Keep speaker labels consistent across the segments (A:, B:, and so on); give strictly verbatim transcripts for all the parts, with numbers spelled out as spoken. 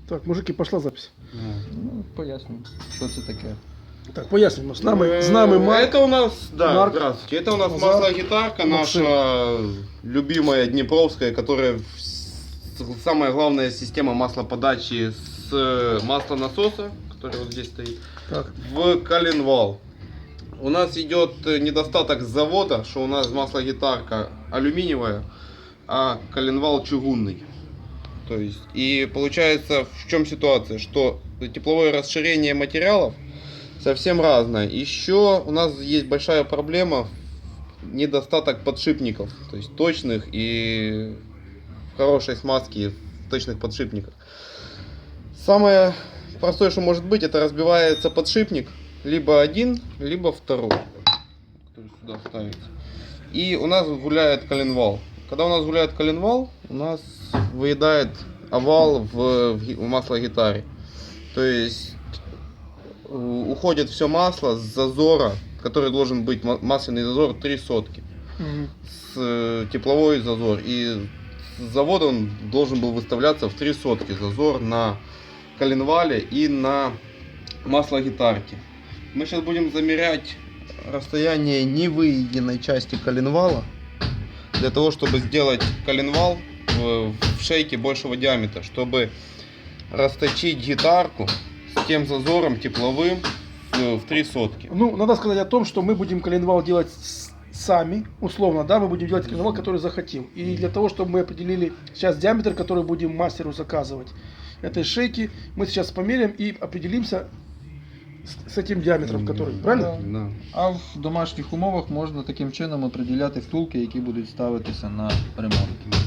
A: Так, мужики, пошла запись.
B: Ну, поясню, що це таке.
A: Так, поясним. С нами, с нами Марк.
C: Это у нас, да,
A: Марк.
C: здравствуйте. Это у нас
A: Назар.
C: маслогитарка,
A: Максим.
C: наша любимая Днепровская, которая в- самая главная система маслоподачи с э, маслонасоса, который вот здесь стоит,
A: Так.
C: в коленвал. У нас идет э, недостаток с завода, что у нас маслогитарка алюминиевая, а коленвал чугунный. То есть, и получается, в чем ситуация, что тепловое расширение материалов совсем разное. Еще у нас есть большая проблема, недостаток подшипников, то есть точных и хорошей смазки в точных подшипниках. Самое простое, что может быть, это разбивается подшипник, либо один, либо второй, который сюда ставится. И у нас гуляет коленвал. Когда у нас гуляет коленвал, у нас выедает овал в, в, ги- в маслогитаре. То есть э, уходит все масло с зазора, который должен быть ма- масляный зазор три сотки.
A: Мгм.
C: С э, тепловой зазор. И с завода он должен был выставляться в три сотки зазор на коленвале и на маслогитарке. Мы сейчас будем замерять расстояние невыеденной части коленвала для того, чтобы сделать коленвал в, в шейке большего диаметра, чтобы расточить гитарку с тем зазором тепловым в, в три сотки.
A: Ну, надо сказать о том, что мы будем коленвал делать с- сами, условно, да, мы будем делать коленвал, который захотим. И для того, чтобы мы определили сейчас диаметр, который будем мастеру заказывать этой шейки, мы сейчас померяем и определимся с, с этим диаметром, который, правильно?
C: Да.
B: А в домашніх умовах можна таким чином определяти втулки, які будуть ставитися на ремонт.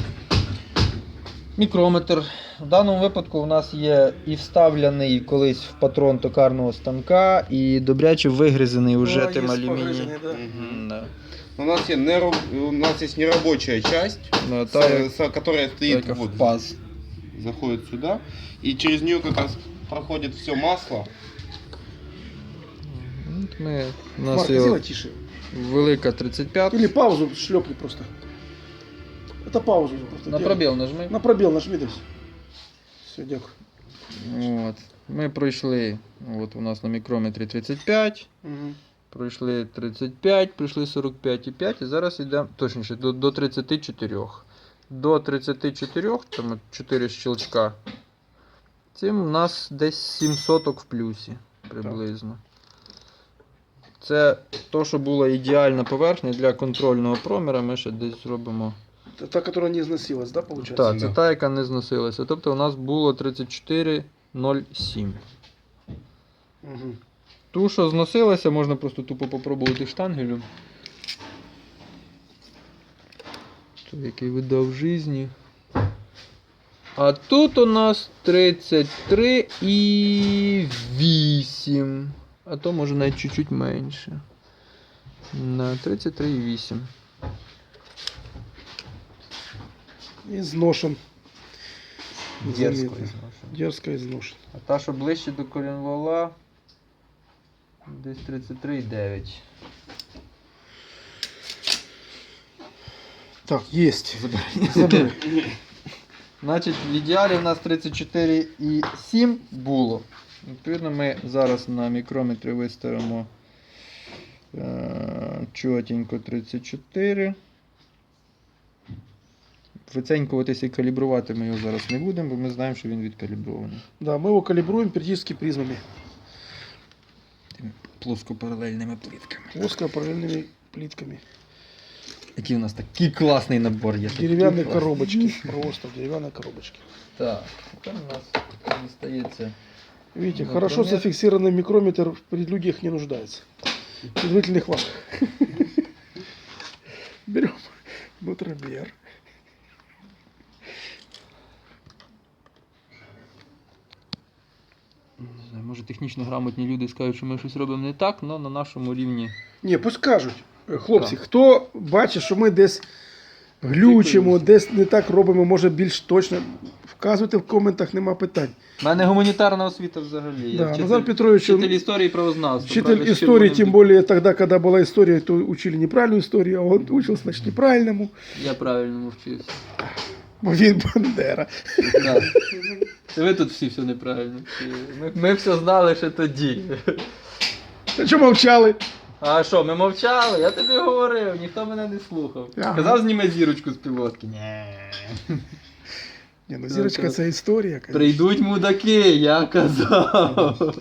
B: Мікрометр. В даному випадку у нас є і вставлений колись в патрон токарного станка, і добряче вигризаний уже
A: Ну,
B: тим
A: є
B: алюмінієм.
A: погризаний, да.
C: Мгм.
B: Да.
C: У нас, есть нераб- у нас есть нерабочая часть,
B: Ну,
C: с-
B: та, як-
C: с- которая
B: та,
C: стоит
B: яка
C: вот,
B: в паз.
C: заходит сюда, и через нее как раз проходит все масло.
B: От Ми, у нас
A: Марк,
B: є
A: сделай
B: от
A: тише.
B: велика тридцять п'ять.
A: Или паузу шлепни просто. Это паузу просто.
B: На
A: делай.
B: пробіл нажми.
A: На пробел нажми, да. Все, дякую.
B: От. Ми пройшли, от у нас на мікрометрі тридцять п'ять,
A: Мгм.
B: пройшли тридцять п'ять, пройшли сорок п'ять і п'ять, і зараз йдемо, точніше, до, до тридцяти чотирьох. До тридцяти чотирьох, там от чотири щелчка, цим у нас десь сім соток в плюсі приблизно. Це то, що була ідеальна поверхня для контрольного проміра, ми ще десь зробимо.
A: Это та, которая не износилась, да, получается?
B: Так, це
C: Да.
B: та, яка не зносилася. Тобто у нас було тридцять чотири нуль сім.
A: Мгм.
B: Ту, що зносилася, можна просто тупо попробувати штангелем. Той, який видав в житті. А тут у нас тридцять три і вісім. А то може навіть чуть-чуть менше. На тридцять три і вісім.
A: Изношен.
B: Дерзко
A: Заметно.
B: ізношено.
A: Дерзко изношен.
B: А та, що ближче до коленвала, десь тридцять три і дев'ять.
A: Так, есть. Забери.
B: Значить, в ідеалі у нас тридцять чотири і сім було. Відповідно, ми зараз на мікрометрі виставимо е, чотенько тридцять чотири. Виценькуватися і калібрувати ми його зараз не будемо, бо ми знаємо, що він відкалібрований.
A: Да, мы его калибруем периодически призмами.
B: Плоскопаралельними плитками.
A: Плоско-параллельными плитками.
B: Який у нас такий класний набор є. такий
A: Деревянные
B: класний.
A: коробочки. Просто в деревянной коробочке.
B: Так, тепер у нас дістається.
A: Видите,
B: Ну,
A: хорошо
B: кроме-
A: зафиксированный микрометр в предлюдиях не нуждается. В предварительных вахах. Берем нутромер.
B: Не знаю, може технічно грамотні люди скажуть, що ми щось робимо не так, але на нашому рівні.
A: Не, пусть кажуть. Е, Хлопці,
B: Так.
A: хто бачить, що ми десь глючимо, десь не так робимо, може більш точно, вказуйте в коментах, нема питань.
B: У мене гуманітарна освіта взагалі. Я
A: Да,
B: вчитель,
A: Назар Петрович,
B: вчитель
A: он-
B: історії і правознавства.
A: Учитель
B: правда, з
A: истории,
B: червоним
A: тем
B: дик-
A: более тогда, когда была история, то учили неправильную историю, а он учил, значит, неправильному.
B: Я правильно вчився.
A: Бо він Бандера.
B: Да. Це ви тут всі все неправильно. Всі. Ми, ми все знали ще тоді.
A: Та що мовчали?
B: А що, ми мовчали? Я тобі говорив, ніхто мене не слухав.
A: Ага.
B: Казав, зніми зірочку з пілотки. Ні.
A: Ні, ну зірочка це історія, конечно.
B: Прийдуть мудаки, я казав.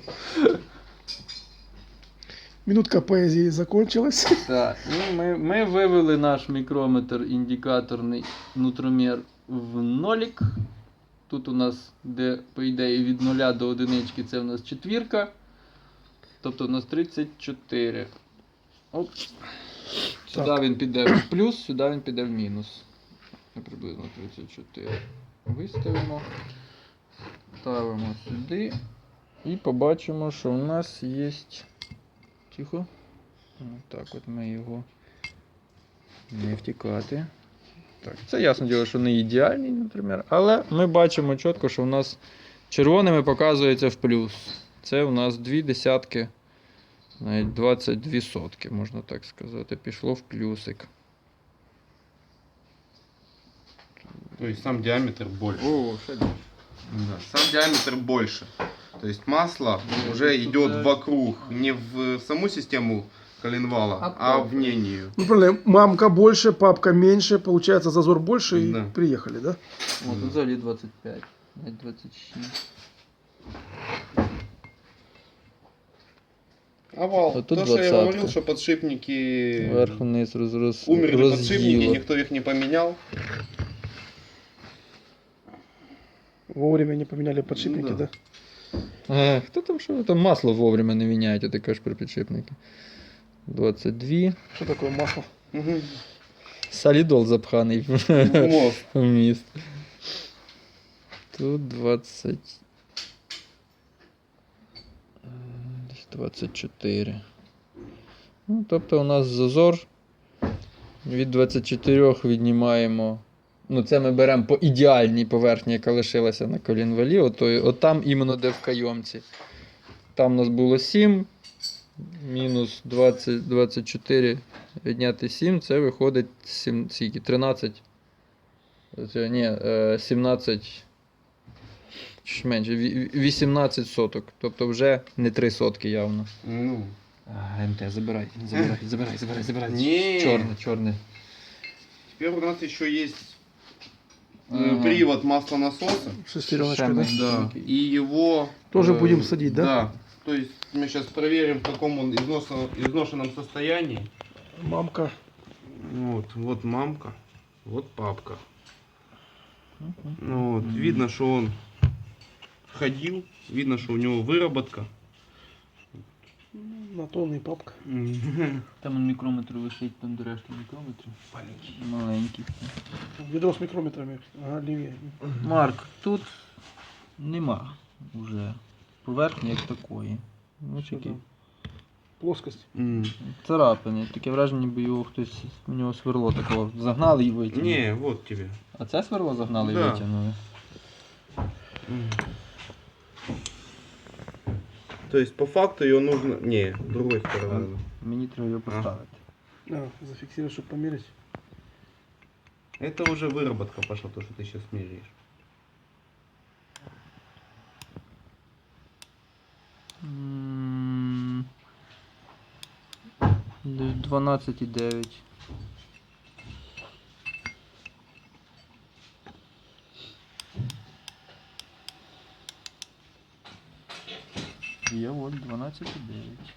A: Минутка поезії закончилась.
B: Так, ну ми, ми вивели наш мікрометр індикаторний нутромір в нолік. Тут у нас, де, по ідеї, від нуля до одинички, це у нас четвірка. Тобто у нас тридцять чотири. Оп. Сюди
A: Так.
B: він піде в плюс, сюди він піде в мінус. Приблизно тридцять чотири. Виставимо. Ставимо сюди. І побачимо, що у нас є. Тихо. Так от ми його не втікати. Так, це ясно діло, що не ідеальний, наприклад, але ми бачимо чітко, що у нас червоними показується в плюс. Це у нас дві десятки, навіть двадцять дві сотки, можна так сказати, пішло в плюсик.
C: То есть сам диаметр больше.
B: О, ще більше.
C: Да, сам диаметр больше. То есть масло
B: Ну,
C: уже
B: тут
C: идет
B: да.
C: вокруг, не в саму систему коленвала,
B: А
C: а,
B: то.
C: вне нее.
A: Ну, правильно, мамка больше, папка меньше, получается зазор больше и
C: Да.
A: приехали, да?
B: О, тут взагалі двадцять п'ять, навіть двадцять шість.
C: Овал.
B: А тут
C: То, что я
B: двадцатка.
C: говорил, что подшипники
B: Вверх-вниз роз, роз,
C: умерли подшипники,
B: розділо.
C: никто их не поменял.
A: Вовремя не поменяли подшипники,
C: Ну
A: да?
C: да.
B: А, хто там що? Там масло вовремя не міняють, а ти кажеш про підшипники. двадцять два.
A: Что такое масло?
C: Мгм.
B: Солідол запханий в
C: Мост.
B: в міст. Тут двадцять. Десь двадцять чотири. Ну, тобто у нас зазор. Від двадцяти чотирьох віднімаємо. Ну, це ми беремо по ідеальній поверхні, яка лишилася на колінвалі. От, от там іменно де в кайомці. Там у нас було сім. Мінус двадцять, двадцять чотири відняти сім, це виходить сім, скільки? тринадцять. Це, ні, е, сімнадцять. Чи ж менше, ві- вісімнадцять соток. Тобто вже не три сотки явно.
C: Ну.
B: А, МТ, забирай, забирай, забирай, забирай, забирай.
C: Не.
B: Чорне, чорне.
C: Теперь у нас еще есть э,
B: Ага.
C: привод маслонасоса.
A: Шестереночка, да?
B: Шестереночка.
C: Да.
B: Окей.
C: И его...
A: Тоже
C: э,
A: будем садить, да?
C: Да. То есть мы сейчас проверим, в каком он износно- изношенном состоянии.
A: Мамка.
C: Вот, вот мамка, вот папка.
B: Мгм.
C: Ну вот, видно, что он ходил, видно, что у него выработка.
A: На тонный папка.
B: Там мікрометр висить, там до решти мікрометрів. Маленький.
A: Ведро с микрометрами. Ага, левее.
B: Марк, тут нема вже поверхні як такої. Ну,
A: Що
B: такі
A: там? Плоскость.
C: М.
B: царапини. Таке враження, ніби його хтось, у нього сверло такого загнали і витягнули.
C: Не, вот тебе.
B: А це сверло загнали і
C: Да.
B: витягнули?
C: М. То есть по факту ее нужно... Не, другой стороны.
B: Мені треба його поставити.
A: А, зафиксировать, чтобы померить.
C: Это уже выработка пошла, то, что ты сейчас меряешь.
B: М, десь дванадцять і дев'ять. Є от дванадцять і дев'ять.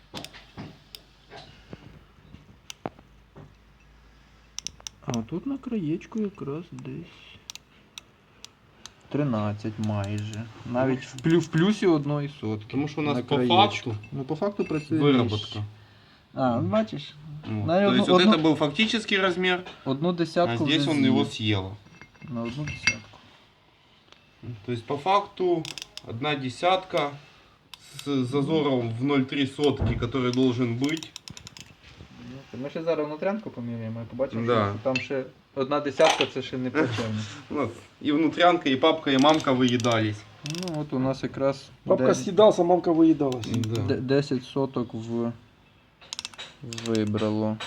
B: А тут на краєчку якраз десь тринадцять майже. Навіть в, плю, в плюсі одної сотки.
C: Потому что у нас
B: на
C: по
B: краєчку.
C: факту
B: Ну, по факту працює
C: выработка.
B: нижче. А, ну, бачиш,
C: Вот.
B: На
C: То
B: одну-
C: есть вот
B: одну-
C: это был фактический размер,
B: одну
C: а
B: десятку
C: здесь
B: вже
C: он
B: з'їв.
C: его съел.
B: На одну десятку.
C: То есть по факту одна десятка с зазором в ноль целых три сотки, который должен быть.
B: Ми ще зараз внутрянку поміряємо і побачимо,
C: Да.
B: що там ще одна десятка, це ще не плачевно.
C: У нас и внутрянка, и папка, и мамка выедались.
B: Ну от у нас якраз
A: Папка
B: де-
A: съедался, мамка выедалась.
C: Да.
B: де- десять соток в... вибрало.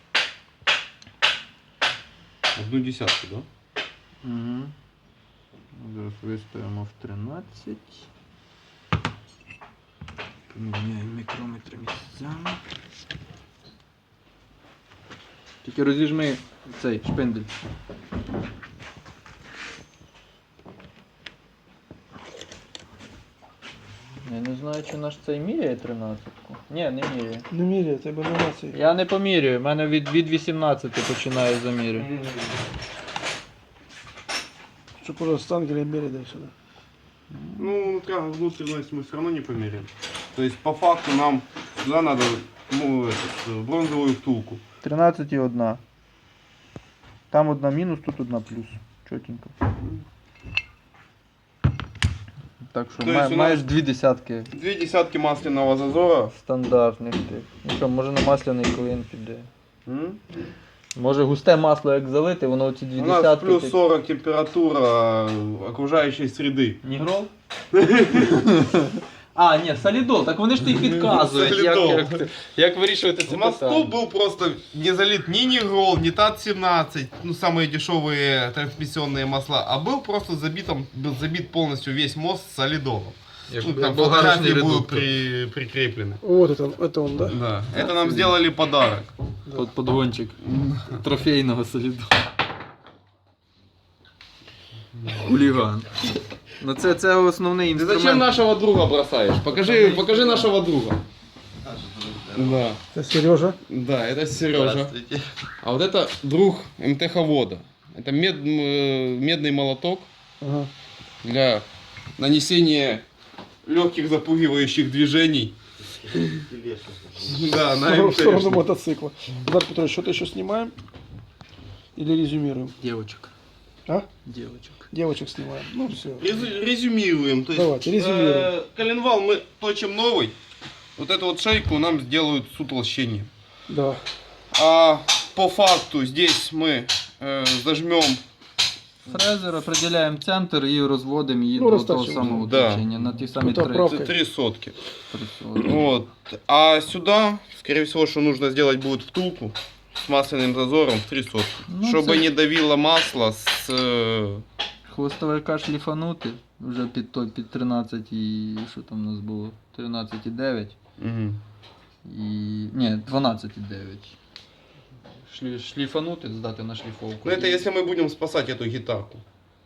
C: Одну десятку, да?
B: Угу. виставимо в тринадцять. Поміняємо мікрометри місцями. Тільки розіжми цей шпиндель. Я не знаю, чи наш цей міряє тринадцятку. Ні, не міряє.
A: Не меряй, это нумерация.
B: Я не помірюю, в мене від, від вісімнадцяти починає заміри.
A: Что, пожалуйста, Ангелия меряй, дай сюда.
C: Ну, внутренность мы все равно не померяем. То есть по факту нам сюда надо ну, этот, бронзовую втулку.
B: тринадцять і одна. Там одна мінус, тут одна плюс. Чотенько. Так що
C: То
B: ма-
C: есть у нас-
B: маєш дві десятки
C: Две десятки масляного зазора.
B: стандартних тих. Ну що, може на масляний клин піде.
C: М?
B: Може густе масло як залити, воно ці дві
C: У нас
B: десятки.
C: плюс
B: ти-
C: сорок температура окружающей среды.
B: Нігрол? А, ні, солідол, так вони ж тобі підказують, як,
C: Солідол.
B: як, як вирішувати це
C: Мосту
B: питання.
C: был просто не залит ни Нигрол, ни Тат семнадцать, ну самые дешевые трансмиссионные масла, а был просто забитом, был забит полностью весь мост солидолом.
B: Як,
C: Ну,
B: як
C: там
B: болгарочний
C: фотографии будут
B: редуктор.
C: при, прикреплены.
A: Вот это, это он, да?
C: Да, это нам сделали подарок.
B: Под подгончик трофейного солідолу. Хуліган. Ну це, це основний
C: Ты
B: інструмент.
C: зачем нашего друга бросаешь? Покажи, покажи нашего друга. Да,
A: Это Сережа.
C: да, это Сережа. А вот это друг МТХ-вода. Это мед, м, медный молоток
A: Ага.
C: для нанесения легких запугивающих движений. Да, на
A: В сторону
C: МТшный.
A: мотоцикла. Эдуард Петрович, что-то еще снимаем? Или резюмируем?
B: Девочек.
A: А?
B: Девочек.
A: Девочек снимаем. Ну все.
C: Резю- Резюмируем. То есть,
A: Давайте, резюмируем.
C: э, коленвал мы точим новый. Вот эту вот шейку нам сделают с утолщением.
A: Да.
C: А по факту здесь мы э, зажмем.
B: Фрезер, определяємо центр і розводимо її
A: Ну,
B: до того
A: розтачуємо.
B: самого
C: Да.
B: точення на ті самі
A: Тут
B: три.
A: оправка.
C: Это три сотки.
B: три сотні.
C: Вот. А сюда, скорее всего, что нужно сделать будет втулку с масляным зазором в три сотки.
B: Ну,
C: чтобы
B: це-
C: не давило масло с... э,
B: Хвостовика шліфанути вже під той під тринадцять і що там у нас було? тринадцять і дев'ять
C: мгм.
B: і. Ні, дванадцять і дев'ять. Шлі... Шліфанути, здати на шліфовку.
C: Ну это
B: І-
C: если мы будем спасать эту гитарку.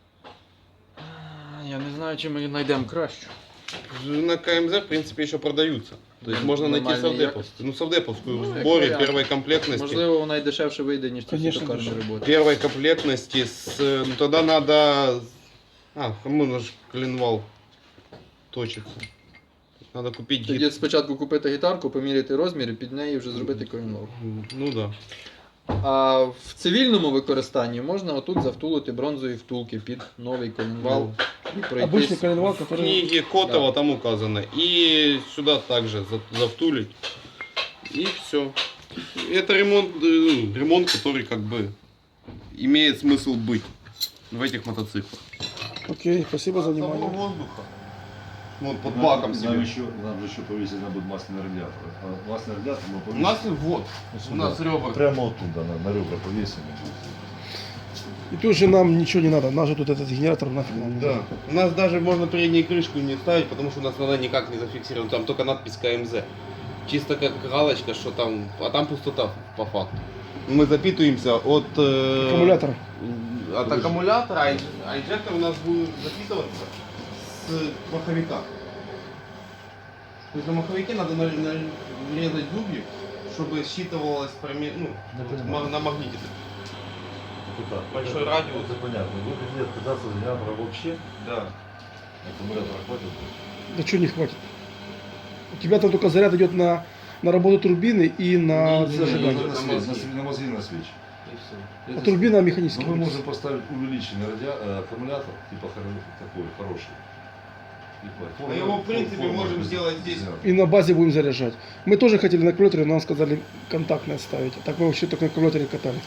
B: Я не знаю, чи ми знайдемо кращу.
C: На КМЗ, в принципе, еще продаются. То есть
B: Ну,
C: можно найти
B: нормальной
C: совдеповскую. Ну, совдеповскую
B: Ну,
C: в
B: як
C: сборе
B: варіант.
C: первой комплектности.
B: Можливо, вона й дешевше вийде, ніж ці
A: Конечно,
B: токарні
A: дешевше.
B: роботи.
C: Первой комплектности с... э, Ну, тогда надо... А, можно же коленвал точится. Надо купить гит...
B: Тоді спочатку купити гітарку, поміряти розмір і під неї вже зробити коінлов.
C: Ну да.
B: А в цивільному використанні можна отут завтулити бронзові втулки під новий колінвал і
A: Обычный
B: пройтись.
A: коленвал,
C: В
A: который...
C: книге Котова там указано. И сюда также за- завтулить. И все. Это ремонт, э, ну, ремонт, который как бы имеет смысл быть в этих мотоциклах.
A: Окей, спасибо за внимание.
C: воздуха. Вот под баком
D: Нам
C: себе.
D: еще, нам же еще повесить надо будет масляный радиатор. А масляный радиатор мы
C: У
D: повесим.
C: нас вот,
D: вот
C: у
D: сюда.
C: нас ребра.
D: Прямо оттуда, на, на ребра повесим.
A: И тут же нам ничего не надо. Нас же тут этот генератор нафиг нам не
C: Да.
A: надо.
C: У нас даже можно переднюю крышку не ставить, потому что у нас надо никак не зафиксировано. Там только надпись КМЗ. Чисто как галочка, что там, а там пустота по факту. Мы запитываемся от... э,
A: Аккумулятор.
C: От аккумулятора, а ин- а инжектор у нас будет запитываться с маховика. То есть на маховике надо на- на- нарезать зубья, чтобы считывалось проме- ну,
D: Я
C: вот
D: понимаю.
C: ма- на магните.
D: Это так.
C: Большой
D: это,
C: радиус.
D: Это понятно. Вы хотите отказаться от генератора вообще?
C: Да.
D: Аккумулятора хватит?
A: Да что не хватит? У тебя там только заряд идет на, на работу турбины и на
B: Не, не,
D: Нет,
A: зажигание.
D: на,
C: на
D: свечи, на,
C: мозги.
D: свечи, на мозги, на свечи.
A: А турбина
D: Но
A: механическая.
D: мы можем поставить увеличенный радиа... э, аккумулятор, типа хоро- такой, хороший. И хватит.
C: Мы его, в принципе,
D: Форма
C: можем
D: без-
C: сделать
D: без
C: здесь.
D: генератора.
A: И на базе будем заряжать. Мы тоже хотели на аккумуляторе, но нам сказали контактное ставить. А так мы вообще только на аккумуляторе катали.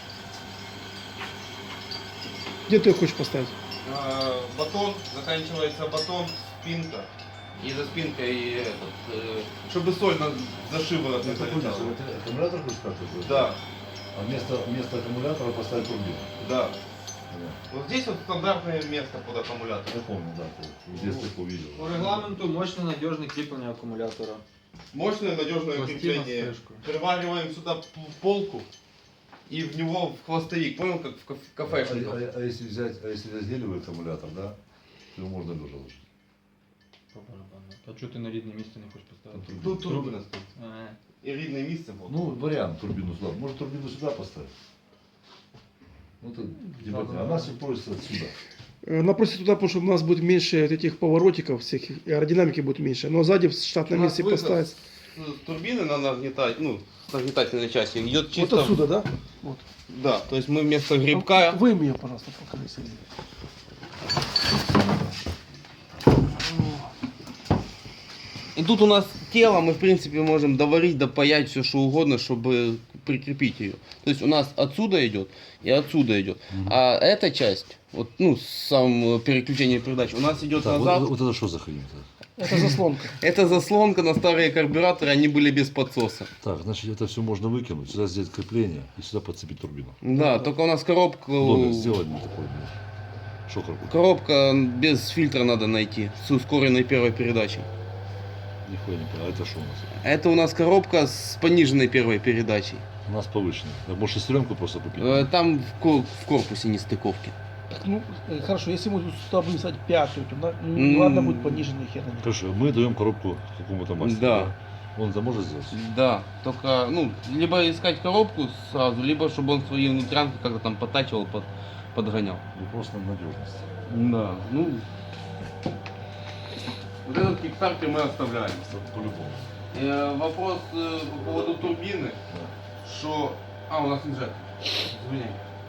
A: Где ты ее хочешь поставить?
C: А, батон, заканчивается батон, спинка. И за спинкой этот, э, чтобы соль на, за шиворот не
D: Это будет,
C: залетала.
D: это аккумулятор будет как-то?
C: Да,
D: А вместо, вместо аккумулятора поставить турбину.
C: да.
D: Понятно.
C: Вот здесь вот стандартное место под аккумулятор.
D: Я помню, да, ты в детстве увидел.
B: По регламенту мощне надіжне кріплення акумулятора.
C: Мощное надежное
B: Пластина с
C: крепление.
B: крышкой.
C: Привариваем сюда п- полку и в него в хвостовик. Понял, как в каф-
D: А,
C: кафешниках?
D: а- а если взять, а если разделивать аккумулятор, да, то его можно лежа ложить.
B: По барабану. А чого ти на рідне місце не хочеш поставити?
C: Тут турбина стоит.
B: А,
C: И видное место. Вот.
D: Ну, вариант турбину сюда. Может, турбину сюда поставить? Ну, это, типа,
B: Да, да,
D: она
B: да.
D: все пользуется отсюда.
A: Э, Она просит туда, потому что у нас будет меньше вот этих поворотиков всех, и аэродинамики будет меньше. Но сзади в штатном
C: У нас
A: месте
C: выход
A: поставить.
C: с турбины на нагнетать, ну, с нагнетательной части идет чисто.
A: Вот отсюда, да? Вот.
C: Да, то есть мы вместо грибка.
A: Выйми ее, пожалуйста, покажи, Сергей.
C: И тут у нас тело, мы в принципе можем доварить, допаять все что угодно, чтобы прикрепить ее. То есть у нас отсюда идет и отсюда идет. А эта часть, вот, ну, сам переключение передач, у нас идет
D: Так,
C: назад.
D: вот, вот это что за хрень?
A: Это заслонка.
C: Это заслонка на старые карбюраторы, они были без подсоса.
D: Так, значит, это все можно выкинуть, сюда сделать крепление и сюда подцепить турбину.
C: Да, только у нас коробка.
D: Доля, сделай мне такой, блин. Шокер какой-то.
C: Коробка без фильтра надо найти, с ускоренной первой передачей.
D: Нихуя не понял. А это что у нас?
C: Это у нас коробка с пониженной первой передачей.
D: У нас повышенный. Так, может, шестеренку просто купить?
C: Э, Там в ко- в корпусе нестыковки.
A: Так, ну, э, хорошо, если мы сюда будем ставить пятую, то на- ну, ладно, будет пониженный хер. наверное.
D: Хорошо, мы даем коробку какому-то мастеру.
C: Да.
D: Он это может сделать?
C: Да, только, ну, либо искать коробку сразу, либо чтобы он свои внутрянки как-то там подтачивал, под, подгонял.
D: Вопрос на надежность.
C: Да, ну. Вот этот кикстартер мы оставляем.
D: По-любому.
C: Э, вопрос э, по поводу турбины, что... А, у нас инжектор. Извини.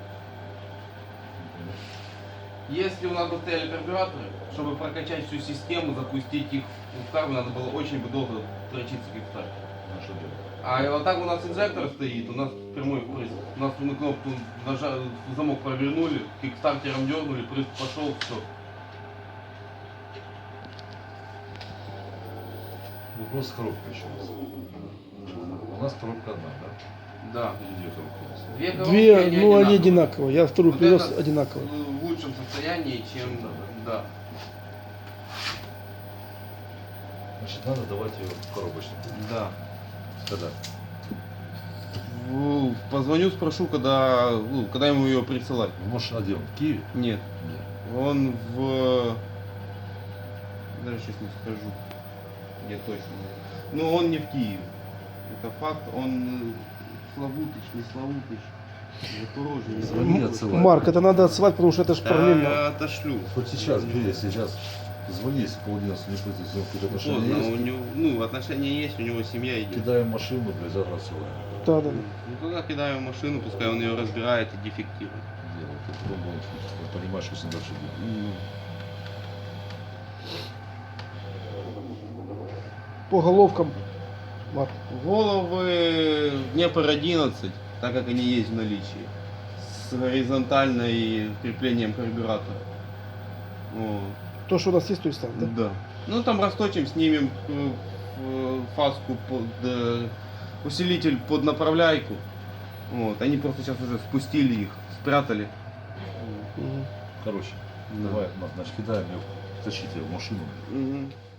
C: Если у нас бы стояли карбюраторы, чтобы прокачать всю систему, запустить их в карбу, надо было очень бы долго дрочиться кикстартер.
D: Ну, что делать?
C: А вот так у нас инжектор стоит, у нас прямой впрыск. У нас мы кнопку нажали, замок провернули, кикстартером дернули, прыск пошел, все.
D: Вопрос с коробкой еще раз. У нас коробка одна, да?
C: Да.
D: Или две коробки у нас?
C: Две коробки,
A: Две,
C: они
A: ну они
C: одинаковые.
A: одинаковые. Я вторую
C: Вот
A: привез
C: это
A: одинаково.
C: в лучшем состоянии, чем... Да.
D: Значит, надо давать ее в коробочную.
C: Да.
D: Когда?
C: В- Позвоню, спрошу, когда, ну, когда ему ее присылать.
D: Ну, может, а где он? В Киеве?
C: Нет.
D: Нет.
C: Он в... Даже сейчас не скажу, где точно. Но он не в Киеве. Это факт. Он э, Славутич, не Славутич. Запорожье, не
D: Звони,
C: Запорожье.
D: отсылай.
A: Марк, это надо отсылать, потому что это же параллельно.
C: Я отошлю.
D: Хоть сейчас, бери, сейчас. Звони, если полденства не пойти, если какое-то отношение
C: Поздно, у
D: есть.
C: него, ну, отношения есть, у него семья идет.
D: Кидаем машину, блядь, завтра отсылаем.
A: Да, да.
C: Ну, тогда кидаю в машину, пускай он ее разбирает и дефектирует.
D: Делает. И потом он понимаешь, что с ним дальше делать.
A: По головкам. Марк.
C: Головы Днепр одиннадцать, так как они есть в наличии, с горизонтальной креплением карбюратора. Вот.
A: То, что у нас есть, то и ставим, да?
C: Да. Ну там расточим, снимем э, э, фаску под э, усилитель под направляйку. Вот. Они просто сейчас уже спустили их, спрятали.
A: Мгм.
D: Короче,
C: Да.
D: давай, Марк, значит, кидаем ее, тащите ее в машину.
C: Мгм.